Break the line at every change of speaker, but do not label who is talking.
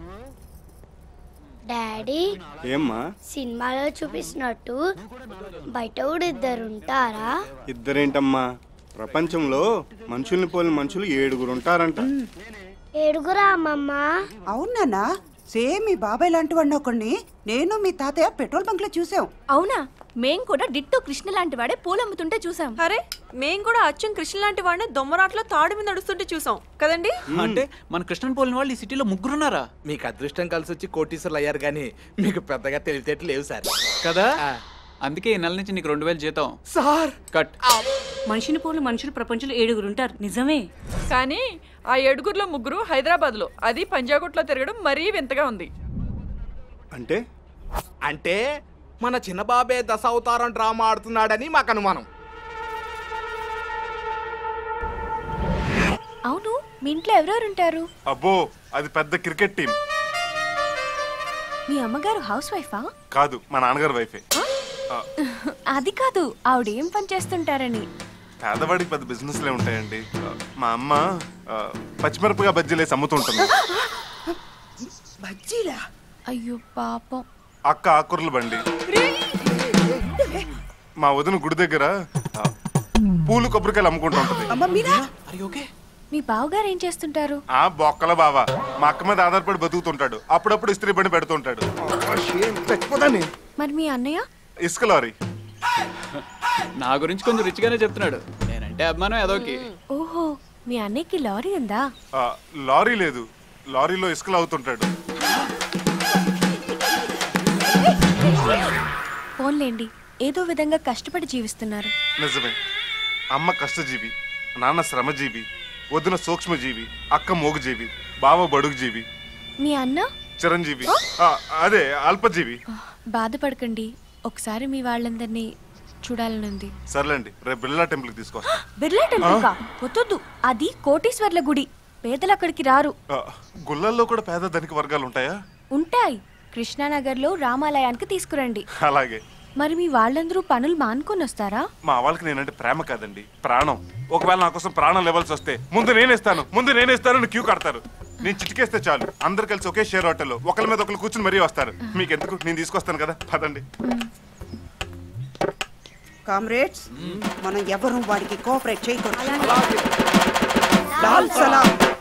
Daddy
ఏమ్మా
సినిమాలో చూపిస్తున్నట్టు బయట కూడా ఇద్దరు ఉంటారా?
ఇద్దరేంటమ్మా, ప్రపంచంలో మనుషుల్ని పోలిన మనుషులు 7 ఉంటారంట.
7 అమ్మమ్మ?
అవునా? సేమ్ మీ బాబాయ్ లాంటి వాడిని ఒకడిని నేను మీ తాతయ్య పెట్రోల్ బంక్ లో చూసాం.
అవునా? మేం కూడా డిట్టో కృష్ణ లాంటి వాడే పూలు అమ్ముతుంటే చూసాం.
అరే మేం కూడా అచ్చం కృష్ణ లాంటి వాడిని దొమ్మరాట్లో తాడు మీద నడుస్తుంటే చూసాం కదండి.
అంటే మన కృష్ణన్ పోలిన వాళ్ళు ఈ సిటీలో 3 ఉన్నారా?
మీకు అదృష్టం కలిసి వచ్చి కోటీశ్వర్లు అయ్యారు కానీ మీకు పెద్దగా తెలివితేటలు లేవు సార్.
కదా అందుకే ఈ నెల నుంచి నీకు 2000 జీతం
సార్.
కట్.
మనిషిని పోలు మనుషులు ప్రపంచంలో 7 ఉంటారు. నిజమే.
కానీ ఆ 7లో 3 హైదరాబాద్ లో, అది పంజాగుట్లో తిరగడం మరీ వింతగా ఉంది.
అంటే
అంటే మన చిన్నబాబే దశావతారం డ్రామా ఆడుతున్నాడని మాకు అనుమానం.
అవును, మీ ఇంట్లో ఎవరెవరు ఉంటారు?
అబ్బో అది పెద్ద క్రికెట్ టీం.
మీ అమ్మగారు హౌస్ వైఫా?
కాదు, మా నాన్నగారు వైఫే.
అది కాదు, ఆవిడ ఏం పని చేస్తుంటారని.
పేదవాడికి పెద్ద బిజినెస్లే ఉంటాయండి. మా అమ్మ పచ్చిమిరపగా బజ్జీలేసి అమ్ముతుంటుంది.
బజ్జీలా?
అయ్యో పాపం.
అక్క ఆకుర్ల బండి. మా వదిన గుడి దగ్గర పూలు కొబ్బరికాయలు అమ్ముకుంటూ ఉంటుంది.
మీ బావగారు ఏం చేస్తుంటారు?
ఆ బొక్కల బావా మా అక్క మీద ఆధారపడి బతుకుతుంటాడు. అప్పుడప్పుడు ఇస్త్రీ బండి పెడుతుంటాడు.
మరి మీ అన్నయ్య?
ఇసుక లారీ.
నా గురించి కొంచెం రిచ్గానే చెప్తున్నాడు. నేనంటే అభిమానం ఏదోకి.
ఓహో, మీ అన్నయ్యకి లారీ ఉందా?
లారీ లేదు, లారీలో ఇసుకలు అవుతుంటాడు.
ఫోన్లేండి, ఏదో విధంగా కష్టపడి జీవిస్తున్నారు.
నిజమే. అమ్మ కష్టజీవి, నాన్న శ్రమజీవి, వదిన సూక్ష్మజీవి, అక్క మోగుజీవి, బావ బడుగుజీవి,
మీ అన్న
చిరంజీవి, అదే అల్పజీవి.
బాధపడకండి, ఒకసారి మీ వాళ్ళందరినీ చూడాలనుంది.
సర్లేండి, రేపు బిర్లా టెంపుల్కి తీసుకొస్తా.
బిర్లా టెంపుల్ వద్దు, అది కోటీశ్వర్ల గుడి, పేదలు అక్కడికి రారు.
గుళ్ళల్లో కూడా పేద ధనిక వర్గాలు ఉంటాయా?
ఉంటాయి. కృష్ణానగర్లో రామాలయానికి తీసుకురండి.
అలాగే.
మరి మీ వాళ్ళందరూ పనులు మానుకొని వస్తారా?
మా వాళ్ళకి నేనంటే ప్రేమ కాదండి, ప్రాణం. ఒకవేళ నా కోసం ప్రాణం లెవెల్స్ వస్తే ముందు నేనేస్తాను క్యూ కడతారు. నేను చిటికేస్తే చాలు, అందరు కలిసి ఒకే షేర్ హోటల్లో ఒకరి మీద ఒకరు కూర్చుని మరీ వస్తారు. మీకు ఎందుకు, నేను తీసుకొస్తాను కదా, పదండి.
కామ్రేడ్స్, మనం ఎవరు వాడికి కోఆపరేట్ చేయకూడదు. లాల్ సలాం.